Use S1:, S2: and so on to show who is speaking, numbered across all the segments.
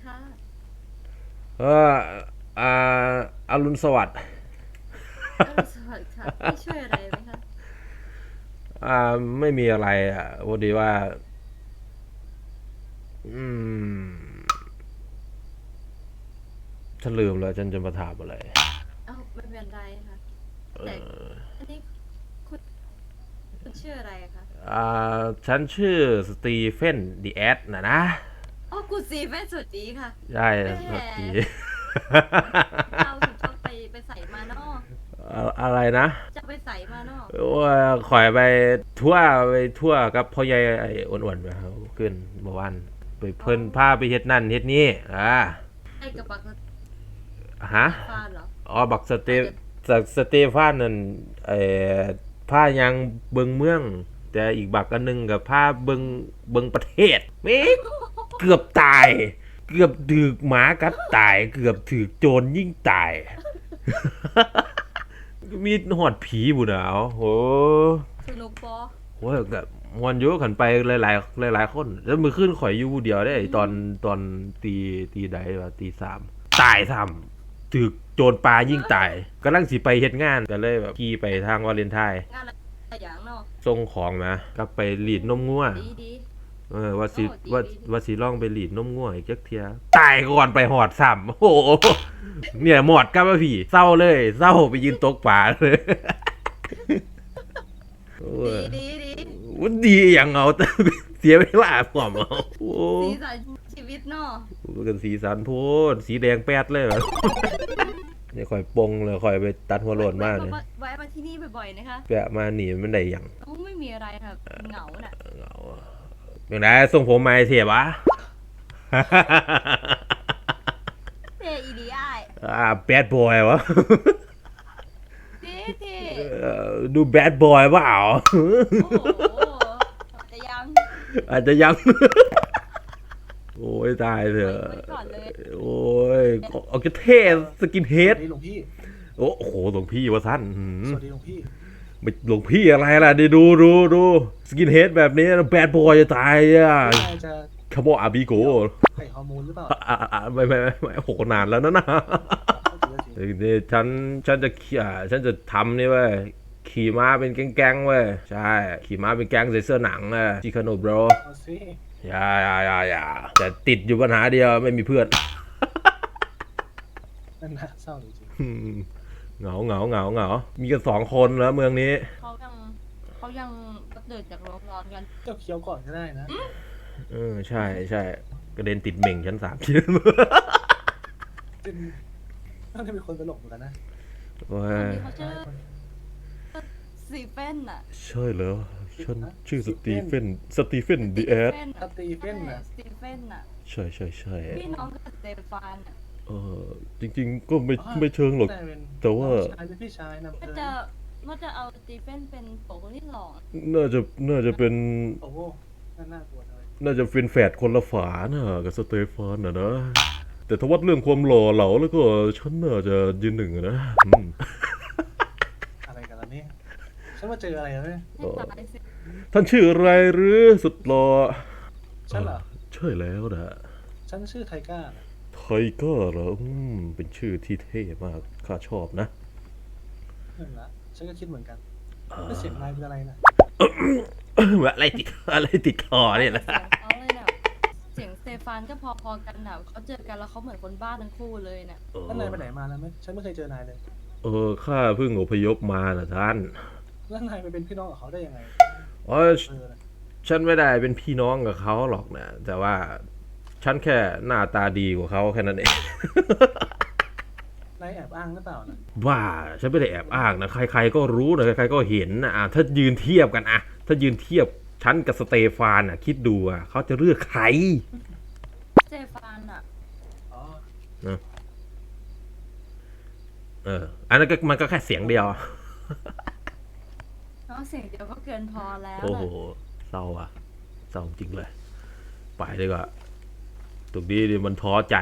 S1: ค่ะ
S2: เอออ่าอรุณสวัสดิ์
S1: สวัสดีค่ะพี่ช่วยอะไรไหมคะ
S2: ไม่มีอะไรพอดีว่าอืมฉันลืมแล้วฉันจะมาถามอะไร
S1: เอ้าไม่เป็นไรค่ะแต่อันนี้คุณคุณชื่ออะไรคะ
S2: ฉันชื่อสตีเฟนดีแอดนะ
S1: อ๋อคุณซีแม่สวัสดีค่ะ
S2: ใช่
S1: แห
S2: สวัสดี
S1: มเจ้าคุณชอบไปใส่มาเนอะ
S2: อะไรนะ
S1: จะไปใส่มาเนอะ
S2: ว่าข่อยทั่วไปทั่วกับพ่อใหญ่ไอ้อ้วนๆไปครับขึ้นเมื่อวานไป
S1: อ๋อ
S2: เพิ่นพาไปเฮ็ดนั่นเฮ็ดนี่
S1: ไอ้กระบักส
S2: ฮะ
S1: ตีฟานเหรอ
S2: อ๋อบัก
S1: อาจจะ
S2: สเตฟานนั่นไอ้ผ้ายังเบิงเมืองแต่อีกบักอันหนึงกับผ้าเบิงประเทศเม่เกือบตายเกือบถูกหมากัดตายเกือบถูกโจรยิ่งตายมีหอดผีบุญเอาโห
S1: สนุกปอ
S2: โหกับมวนอยู่ขันไปหลายคนแล้วมือขึ้นข่อยอยู่ผู้เดียวได้
S1: อืม
S2: ตอนตีใดว่าตี 3ตายซ้ำถูกโจรปลายิ่งตายกำลังสิไปเฮ็ดงานก็เลยแบบขี่ไปทางวาเลนไทน์
S1: งานอะไรอย่างเนอะ
S2: ส่งของนะกลับไปหลีดนมงัว
S1: ดีดี
S2: ว่า
S1: โอ้
S2: สิว่า
S1: ดีดีดี
S2: ว่าสิลองไปหลีดนมงัวอีกจักเทียตายก่อนไปหอดซ้ำโอ้โหเนี่ยหมอดกับว่าพี่เศร้าเลยเศร้าไปยืนตกปลาเลยโอ้
S1: ดี
S2: ย
S1: ดีดี
S2: วันดีอย่างเอาแต่เสียเวลาผมเอาโอ้
S1: สีสันชีวิตเนอะ
S2: กันสีสันโพดสีแดงแป๊ดเลยเหรอเนี่ยข่อยปงเลยข่อยไปตัดหัวโลนมากเลย
S1: แวะมาที่นี่บ่อยๆนะคะ
S2: แปะมาหนีมันได้หยัง
S1: โอ้ไม่มีอะไรค่ะเหงาน่ะ
S2: เหงาอย่างไรส่งผมมาเสียบะ
S1: เทอีดีไอ
S2: แบดบอยวะ
S1: เท่เท
S2: ดูแบดบอยเปล่า
S1: โอ้โหแต่ยัง
S2: อาจจะยัง โอ้ยตายเถอะ
S1: ไว้ก่อนเลย
S2: โอ้ยเอาจะเท่สกินเฮด
S3: สวัสดีหลวงพี่
S2: โอ้โหหลวงพี่วะท่าน
S3: สวัสดีหลวงพี่
S2: ไม่หลวงพี่อะไรล่ะดิดูสกินเฮดแบบนี้แบดบอยจะตายอ่ะ
S3: ไม่น่าจะ
S2: คาโมอาบิโก
S3: ไข่ฮอร์โมนหรือเปล่า
S2: ไม่โหนานแล้วนะ
S3: ก็จริง
S2: นี่ฉันจะฉันจะทำนี่เว้ยขี่ม้าเป็นแก๊งๆเว้ยใช่ขี่ม้าเป็นแก๊งใส่เสื้อหนังจิคาโนบร
S3: เอาสิ
S2: อย่าแต่ติดอยู่ปัญหาเดียวไม่มีเพื่อน
S3: นั่นน่าเศร้าจริง
S2: เหงามีกัน2 คนแล้วเมืองนี้
S1: เขายังตื่นจากโรงนอนกัน
S3: ๆเจ้าเคี้ยวก่อนก็ได้นะ
S2: ใช่กระเด็นติดเหม่งชั้น 3 ชิ้น
S3: เป็นน่าจะเป็นคนตลกเหมือนกันนะ
S2: ว้า
S1: คน
S2: ย
S1: นี้เขาชื่อซีเฟนน่ะ
S2: ใช่แล้วฉันชื่อสตีเฟน
S1: สตี
S2: ดีแอด
S1: เฟน
S3: สตีเฟนน่ะ
S1: สตีเฟนน่ะ
S2: ใช่
S1: พี่น้องกับสเตฟานน่ะ
S2: เออจริงๆก็ไม่เชิงหรอก
S3: แต่เป็น
S2: แต่ว่า
S3: น้องชายเป็นพี่ชายนำ
S1: ก็
S3: เกิน
S1: จะว่าจะเอาสตีเฟนเป็นโปรคนที่หล่อ
S2: น่าจะเป็น
S3: โอ้โหน่ากลัวเลย
S2: น่าจะเป็นแฝดคนละฝาน่ะกับสเตฟานนะแต่ถ้าวัดเรื่องความหล่อเหลาแล้วก็ฉันน่าจะยืนหนึ่งนะ
S3: อะไรกันล่ะเนี่ยฉันมาเจออะไรแล้วเนี่ย
S1: ให้ตายสิ
S2: ท่านชื่ออะไรหรือสุดหล่อ
S3: ฉันเหรอ
S2: ใช่แล้วนะ
S3: ฉันชื่อไทก้านะ
S2: ไทเกอร์เหรอเป็นชื่อที่เท่มากข้าชอบนะ
S3: นั่นละฉันก็คิดเหมือนกันแล้วเสียงนายเป็นอะไรนะ
S2: อะไรติดคอเนี่ยนะ
S1: เสียงเขาเลยเนี่ยเสียงสเตฟานก็พอๆกันน่ะเขาเจอกันแล้วเขาเหมือนคนบ้าทั้งคู่เลยเนี่ย
S3: แล้วนายไปไหนมาแล้วไหมฉันไม่เคยเจอนายเลย
S2: ข้าเพิ่งอพยพมานะท่าน
S3: แล้วนายไปเป็นพี่น้องกับเขาได้ยังไง
S2: อ๋อฉันไม่ได้เป็นพี่น้องกับเขาหรอกนะแต่ว่าฉันแค่หน้าตาดีกว่าเขาแค่นั้นเอง
S3: นายแอบอ้างหรือเปล่านะ
S2: ว่าฉันไม่ได้แอบอ้างนะใครๆก็รู้นะใครๆก็เห็นนะถ้ายืนเทียบกันถ้ายืนเทียบฉันกับสเตฟานคิดดูเขาจะเลือกใคร
S1: สเตฟานอ่ะ
S3: อ๋อ
S2: อันนั้นก็มันก็แค่เสียงเดียว
S1: เนาะเสียงเดียวก็เกินพอแล้ว
S2: โอ้โห
S1: แหละ
S2: เศร้าเศร้าจริงเลยไปดีกว่าตรงนี้ดิมันท้อใจ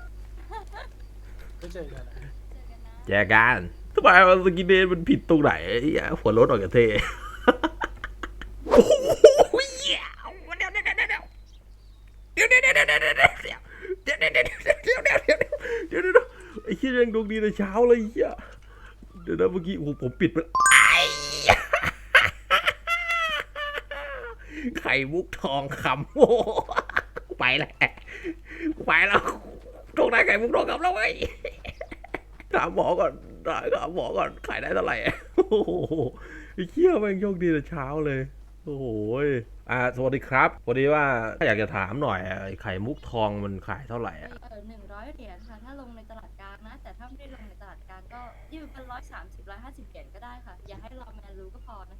S3: ไม่เจอกันนะ
S2: แจกันทำไมมันสกินเดนมันผิดตรงไหนหัวรถออกจากเทโอ้โหเดี๋ยวงดวงดีแต่เช้าเลยเหี้ยเดี๋ยวนะเมื่อกี้โอ้โหผมปิดไปไข่มุกทองคำโอ้ไปแล้วต้องได้ไข่มุกทองคำแล้วไงถามหมอก่อนขายได้เท่าไหร่โอ้โหไอ้เหี้ยแม่งโชคดีแต่เช้าเลยโอ้โหสวัสดีครับพอดีว่าอยากจะถามหน่อยไอ้ไข่มุกทองมันขายเท่าไหร่อ่ะ
S1: 100 เหรียญค่ะ ถ้าลงในตลาดกลางนะ แต่ถ้าไม่ได้ลงในตลาดกลางก็ยืมเป็น130 150 เหรียญก็ได้ค่ะ อย่าให้เราแมนรู้ก็พอนะคะ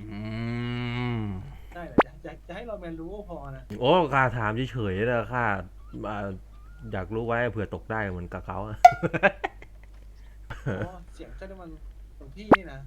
S3: ได้เลยจะให้เราแมนรู้ก็พอนะ
S2: โอ้ข้าถามเฉยๆนะข้าอ่าอยากรู้ไว้เผื่อตกได้เหมือนกับเขาอะ
S3: อ๋อเสียงเจ้านี่มันของพี่นี่นะ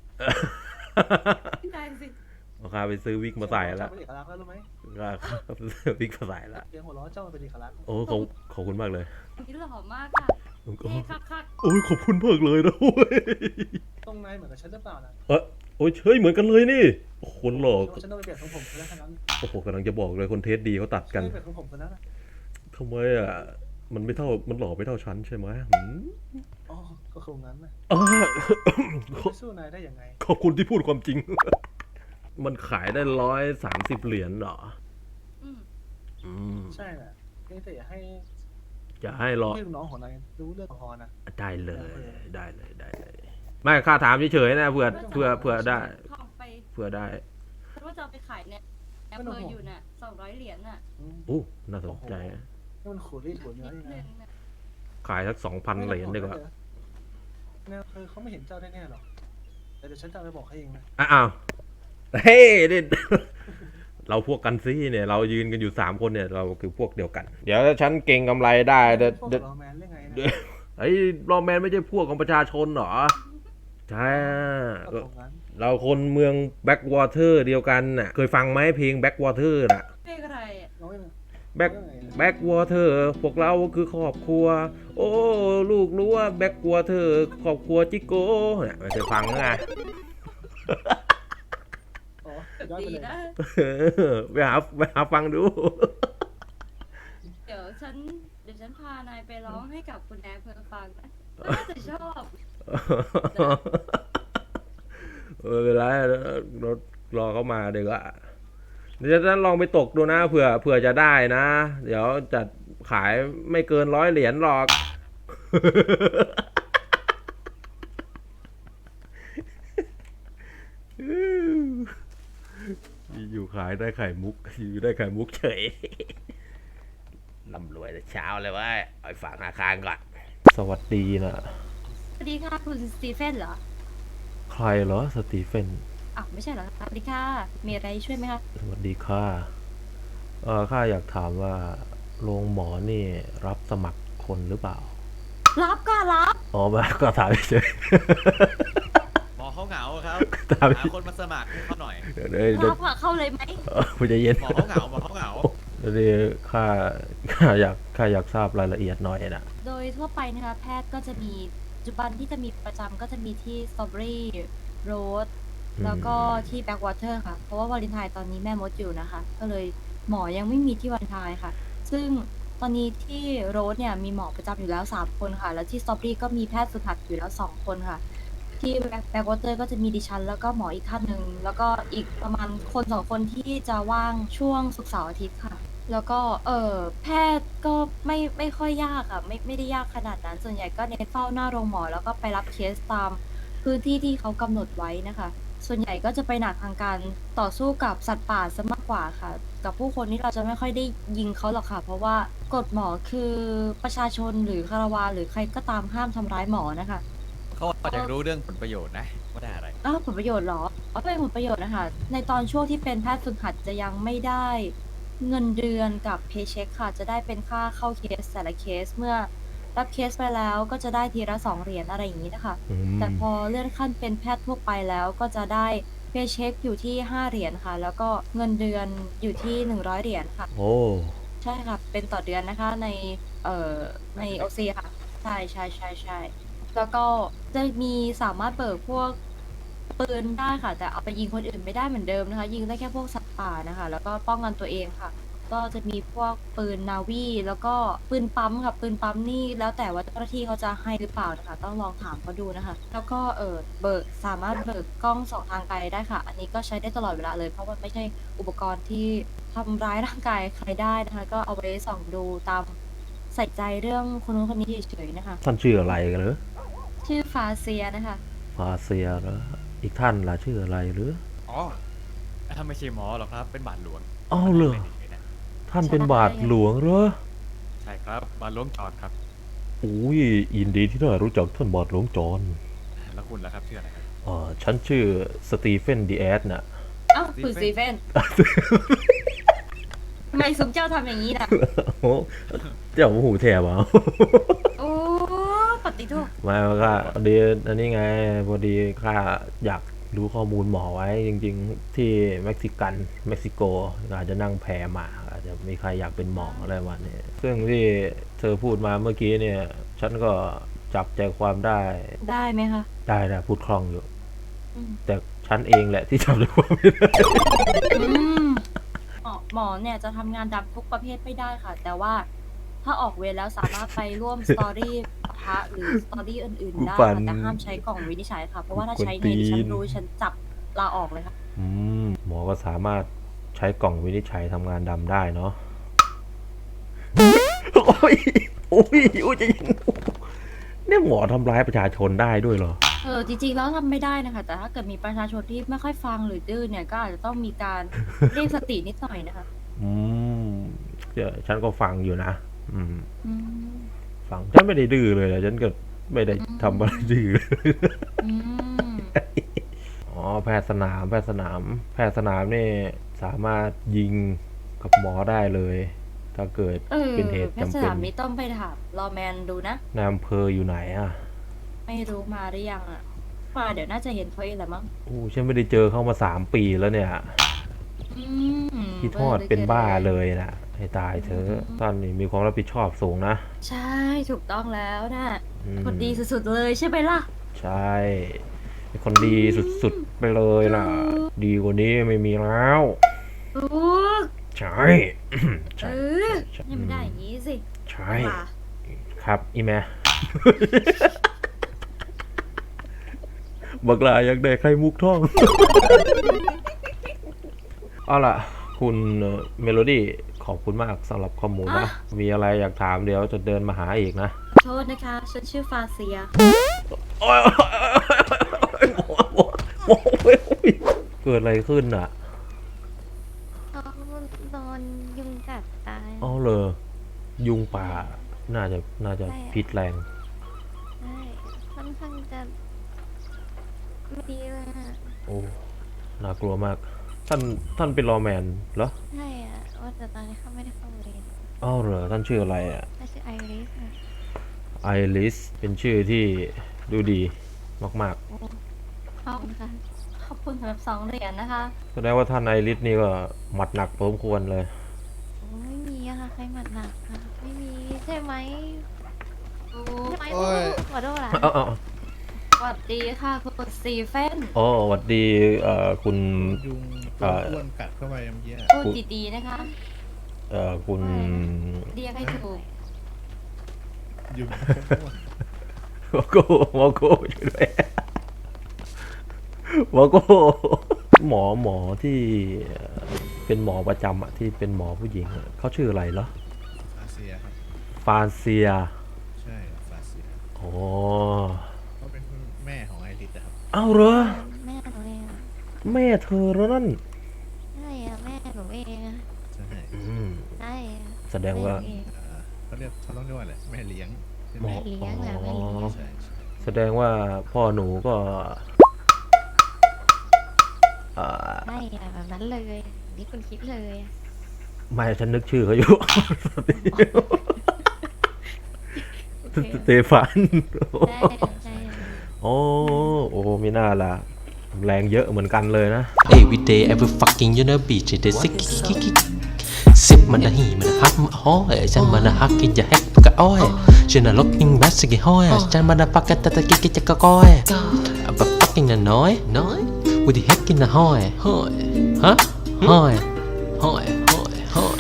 S1: ได้สิ
S2: ข้าไปซื้อวิกมาใส่แล้ว
S3: เป็นเอกลักษณ์แล้วรู้ไหม
S2: ข้าไปซื้อวิกมาใส่แล้ว
S3: เสียงหัวเราะเจ้ามันเป็นเอกลักษณ์
S2: โอ้ขอบคุณมากเลย
S1: นี่หล่อมากค่ะเท่คัก
S2: โอ้ยขอบคุณมากเลยนะโอ้ย
S3: ตรงในเหมือนกับฉันหรือเปล่านะ
S2: โอ้ยเฮ้ยเหมือนกันเลยนี่โอ้โหคนหล่อ
S3: ฉันต้องไปเปลี่ยนของผมคนนั้น
S2: โอ้โหกำลังจะบอกเลยคนเทสดีเขาตัด
S3: ฉั
S2: กัน น
S3: ต้องไปเปลี่ยนของผมคนนั้นนะ
S2: ทำไมอ่ะมันไม่เท่ามันหล่อไม่เท่าฉันใช่ไหม
S3: อ๋อก็คงนั้นนะ
S2: อ่า
S3: ไม่สู้นายได้ยังไง
S2: ขอบคุณที่พูดความจริง มันขายได้130 เหรียญเหรอ
S1: ๆ
S2: อืม
S3: ใช่น่ะแต่อย่าให้
S2: จะให้รอ
S3: พี่ลูกน้องของนายรู้เรื่องพอนะ
S2: ได้เลย ไม่ข้าถามเฉยๆนะเผื่อได้
S1: ทองไป
S2: เผื่อได้
S1: เพราะว่าจะเอาไปขายเนี่ยแอปเปิลอยู่น่ะ200 เหรียญน่ะ
S2: อู้น่าสนใจนะ
S3: นี่มันขูดรีดขูดเนื้อ
S1: นิด
S3: ยังไง
S1: นึงน่ะ
S2: ขายสัก 2,000 เหรียญดีกว่า
S3: เนี่ยเขาไม่เห็นเจ้าแน่ๆหรอกแต่เดี๋ยวฉันจะไปบอกให้เองนะ
S2: อ้าวเฮ้ยนี่ เราพวกกันซี่เนี่ย เรายืนกันอยู่3 คนเนี่ย เราคือพวกเดียวกัน เดี๋ยวฉันเก่งกำไรได้เดี๋ยว
S3: พวกเราแมนเรื่องไงนะ
S2: ไอ้รอแมนไม่ใช่พวกของประชาชนเหรอ ใช่
S3: ก็ตรงนั้น
S2: เราคนเมืองแบ็กวอเตอร์เดียวกันน่ะ เคยฟังไหมเพลงแบ็กวอเตอร์น่ะ
S1: เพลงอะไรอ่ะ
S3: เราไม่
S2: แบ็กวอเตอร์พวกเราคือครอบครัว โอ้ลูกรู้ว่าแบ็กวอเตอร์ครอบครัวจิโก้เนี่ยไม่เคยฟังไง
S3: อ๋อย้อน
S1: ดี
S3: ไปเลย
S1: นะ
S2: ไปหาฟังดู
S1: เดี๋ยวฉันพานายไปร้องให้กับคุณแอร์เพื่อฟังนะน่าจะชอบ
S2: เวลารถรอเข้ามาเดี๋ยวก็เดี๋ยวฉันลองไปตกดูนะเผื่อจะได้นะ เดี๋ยวจะขายไม่เกิน100 เหรียญหรอก อยู่ขายได้ไข่มุกอยู่ได้ไข่มุกเฉยร่ำรวยแต่เช้าเลยเว้ยเอาไปฝากธนาคารก่อนสวัสดีนะ
S1: สวัสดีค่ะคุณสตีเฟนเหรอ
S2: ใครเหรอสตีเฟน
S1: อ้าวไม่ใช่เหรอคะสวัสดีค่ะ มีอะไรช่วยไหมคะ
S2: สวัสดีค่ะข้าอยากถามว่าโรงหมอนี่รับสมัครคนหรือเปล่า
S1: รับก็รับ
S2: อ๋อมาก็ถามเฉย
S4: หมอเขาเหงาครับ
S2: ถาม
S4: หาคนมาสมัครให้เขาหน่อย
S2: เดี๋ยว
S1: รับอะเข้าเลยไหม
S2: คุณจะเย็น
S4: หมอเขาเหงาหมอเขาเหงา
S2: เดี๋ยวข้าอยากทราบรายละเอียดหน่อยนะ
S1: โดยทั่วไปนะคะแพทย์ก็จะมีปัจจุบันที่จะมีประจำก็จะมีที่สตรอเบอรี่โรสแล้วก็ที่แบ็กวอเตอร์ค่ะ เพราะว่าวาเลนไทน์ตอนนี้แม่มดอยู่นะคะ ก็เลยหมอยังไม่มีที่วาเลนไทน์ค่ะ ซึ่งตอนนี้ที่โรสเนี่ยมีหมอประจำอยู่แล้ว3 คนค่ะ แล้วที่สตรอเบอรี่ก็มีแพทย์ฝึกหัดอยู่แล้ว2 คนค่ะ ที่แบ็กวอเตอร์ก็จะมีดิฉันแล้วก็หมออีกท่านหนึ่งแล้วก็อีกประมาณคน2 คนที่จะว่างช่วงศุกร์เสาร์อาทิตย์ค่ะ แล้วก็แพทย์ก็ไม่ค่อยยากอะไม่ได้ยากขนาดนั้น ส่วนใหญ่ก็เน้นเฝ้าหน้าโรงหมอแล้วก็ไปรับเคสตามพื้นที่ที่เขากำหนดไว้นะคะ ส่วนใหญ่ก็จะไปหนักทางการต่อสู้กับสัตว์ป่าซะมากกว่าค่ะ กับผู้คนนี่เราจะไม่ค่อยได้ยิงเขาหรอกค่ะ เพราะว่ากฎหมอคือประชาชนหรือคารวาหรือใครก็ตามห้ามทำร้ายหมอนะคะ
S4: เขาอาจจะรู้เรื่องผลประโยชน์นะว่าได้อะไร
S1: อ้าวผลประโยชน์เหรอเป็นผลประโยชน์นะคะ ในตอนช่วงที่เป็นแพทย์ฝึกหัดจะยังไม่ได้เงินเดือนกับเพย์เช็คค่ะ จะได้เป็นค่าเข้าเคสแต่ละเคสเมื่อรับเคสไปแล้วก็จะได้ทีละ2 เหรียญอะไรอย่างนี้นะคะ แต่พอเลื่อนขั้นเป็นแพทย์ทั่วไปแล้วก็จะได้เพย์เช็คอยู่ที่5 เหรียญค่ะ แล้วก็เงินเดือนอยู่ที่100 เหรียญค่ะ
S2: โอ้
S1: ใช่ค่ะ เป็นต่อเดือนนะคะในโอซีค่ะ ใช่แล้วก็จะมีสามารถเบิกพวกปืนได้ค่ะ แต่เอาไปยิงคนอื่นไม่ได้เหมือนเดิมนะคะ ยิงได้แค่พวกสัตว์ป่านะคะ แล้วก็ป้องกันตัวเองค่ะก็จะมีพวกปืนนาวีแล้วก็ปืนปั๊มค่ะปืนปั๊มนี่แล้วแต่ว่าเจ้าหน้าที่เขาจะให้หรือเปล่านะคะต้องลองถามเขาดูนะคะ แล้วก็สามารถเบิกกล้องส่องทางไกลได้ค่ะ อันนี้ก็ใช้ได้ตลอดเวลาเลยเพราะมันไม่ใช่อุปกรณ์ที่ทำร้ายร่างกายใครได้นะคะ ก็เอาไว้ส่องดูตามใส่ใจเรื่องคนนู้นคนนี้เฉยๆนะคะ
S2: ท่านชื่ออะไรกันหรือ
S1: ชื่อฟาเซียนะคะ
S2: ฟาเซียเหรออีกท่านล่ะชื่ออะไรหรือ
S4: อ๋อถ้าไม่ใช่หมอหรอกครับ เป็นบาทหลวง
S2: อ้าวเหรอ
S4: ไม่ได้นะ
S2: ท่านเป็นบาทหลวงเหรอ
S4: ใช่ครับ บาทหลวงจอดครับ
S2: อุ้ยยินดีที่ได้รู้จักท่านบาทหลวงจอน
S4: แล้วคุณล่ะครับชื่ออะไรครับ
S2: ฉันชื่อสตีเฟนดีแอสน่ะ
S1: เอ้าคุณสตีเฟนทำไมสมเจ้าทำอย่างนี้ล่ะ
S2: โอ้เจ้าหูแถบอ่ะ
S1: โอ้ปฏิทุก
S2: มาก็พอดีอันนี้ไงพอดีข้าอยากรู้ข้อมูลหมอไว้จริงๆที่เม็กซิโกอาจจะนั่งแพมาอาจจะมีใครอยากเป็นหมออะไรวันนี้ซึ่งที่เธอพูดมาเมื่อกี้เนี่ย ฉันก็จับใจความได้
S1: ได้ไหมคะ
S2: ได้นะพูดคล่องอยู่
S1: อืม
S2: แต่ฉันเองแหละที่จับใจความไม่ได้
S1: อืมหมอเนี่ยจะทำงานดำทุกประเภทไม่ได้ค่ะ แต่ว่าถ้าออกเวรแล้วสามารถไปร่วมสตอรี่ปะทะหรือสตอรี่อื่นๆได้
S2: ปั่
S1: ค่ะ
S2: น
S1: แต่ห้ามใช้กล่องวินิจฉัยค่ะ เพราะว่าถ้าใช้
S2: กวนตี
S1: เนี่ย
S2: น
S1: ฉันรู้ฉันจับลาออกเลยค่ะ
S2: หมอก็สามารถใช้กล่องวินิจฉัยทำงานดำได้เนาะ โอ้ยโอ้ยโอ้ยจะยิงเนี่ยหมอทำร้ายประชาชนได้ด้วยเหรอ
S1: จริงๆแล้วทำไม่ได้นะคะ แต่ถ้าเกิดมีประชาชนที่ไม่ค่อยฟังหรือดื้อเนี่ยก็อาจจะต้องมีการ เรียกสตินิดหน่อยนะคะ
S2: อืมเดี๋ยวฉันก็ฟังอยู่นะ
S1: อืม
S2: ฟังฉันไม่ได้ดื้อเลยนะฉันก็ไม่ได้ทำอะไรดื้อเลย
S1: อืม
S2: อ๋อแพทย์สนามนี่สามารถยิงกับหมอได้เลย ถ้าเกิดเป็นเหตุ
S1: แพทย์
S2: จำ
S1: ส
S2: เป็น
S1: นามนี้ต้องไปถามรอแมนดูนะ
S2: นายอำเภออยู่ไหนอ่ะ
S1: ไม่รู้มาหรือยังอ่ะมาเดี๋ยวน่าจะเห็นเขาเองแหละมั้ง
S2: โอ้ฉันไม่ได้เจอเข้ามา3 ปีแล้วเนี่ย
S1: อืม
S2: พี่ทอดเป็นบ้าเลยนะให้ตายเธอะท่านนี่มีความรับผิดชอบสูงนะ
S1: ใช่ถูกต้องแล้วนะ
S2: อืม
S1: คนดีสุดๆเลยใช่ไหมล่ะ
S2: ใช่เป็นคนดีสุดๆไปเลยล่ะ ดีกว่านี้ไม่มีแล้ว
S1: ถูก
S2: ใช่ ใช่ ใช่
S1: นี่มันได้อย่างนี้สิ
S2: ใช่
S1: ว่า
S2: ครับอีแม่ บักลาอยากได้ไข่มุกท่อง เอาล่ะ คุณเมโลดี้ขอบคุณมากสำหรับข้อมูลนะ มีอะไรอยากถามเดี๋ยวจะเดินมาหาอีกนะ
S1: ขอโทษนะคะฉันชื่อฟาเซีย
S2: โอ๊ยเกิดอะไรขึ้นอ่ะ
S5: เขาโดนยุงกัดตาย
S2: เอาเลยยุงป่า น่าจะ
S5: ใช่อะ
S2: พิษแรง
S5: ใช่ค่อนข้างจะไม่ดีเลยอะ
S2: โอ้ น่ากลัวมาก ท่านเป็นรอว์แมนเหรอ
S5: ใช่อะว่าแต่ตอนนี้เขาไม่ได้เข้าเรียน
S2: อ้าวเหรอ ท่านชื่ออะไรอ่ะ
S5: น่าชื่อไอริสอะ
S2: ไอริส เป็นชื่อที่ดูดีมาก
S5: โอ้ขอบคุณค่ะ
S1: ขอบคุณสำหรับ2 เหรียญนะคะ
S2: ๆ แสดงว่าท่านไอริสนี่ก็หมัดหนักพอสมควรเลย
S5: โอ้ไม่มีอะค่ะใครหมัดหนักค่ะไม่มีใช่ไหมใช่ไหม
S6: โอ้ย
S5: ขอโทษล่ะ
S2: เอา
S1: สวัสดีค่ะคุณสตีเฟน
S2: อ๋อสวัสดีคุณ
S6: ยุง
S2: เอ่อ
S6: อ้วนกัดเข้าไปเมื่อกี้อะ
S1: พูดดีๆนะคะ
S2: คุณ
S1: เรียกให้ถูก
S6: ยุง
S2: วอโก้ช่วยด้วยวอโก้หมอที่เป็นหมอประจำอะที่เป็นหมอผู้หญิงอะเขาชื่ออะไรเหรอ
S6: ฟาเซียครับ
S2: ฟานเซีย
S6: ใช่ฟาเซีย
S2: อ๋อ
S6: เขาเป็นแม่ของไอริสอะครับ
S2: เอาเหรอ
S5: แม่หนูเองอะ
S2: แม่เธอแล้วนั่น
S5: ใช่อะแม่หนูเองอะ
S6: ใช่
S5: ใช่อะ
S2: แสดงว่า
S5: แม่หนูเอง
S6: เขาต้องเรียกว่าอะไรแม่เลี้ยงใช่ไห
S2: หม
S6: ม
S2: อ
S5: แม่เลี้ยงแหละแม่เลี้ยง
S6: ใช่ใช่
S2: แสดงว่าพ่อหนูก็เอ่อ
S5: ใช่อะแบบนั้นเลยนี่คุณคิดเลยอะ
S2: ไม่ฉันนึกชื่อเขาอยู่
S5: โอเค
S2: สเตฟาน
S5: ใช่ใช่
S2: โอ้มีหน้าล่ะ แรงเยอะเหมือนกันเลยนะ
S7: Every day, every fucking you know beach they sick Sip มันละหีมันฮักมันฮ้อยฉันมันฮักกินจะแฮกปะกะอ้อยฉันน่ะล็อกกิ้งบัสสิห้อยฉันมันปักกะตะตะกิกิจะกะก้อยแบบ fucking น่ะน้อย with the heck in the ห้อยฮะห้อย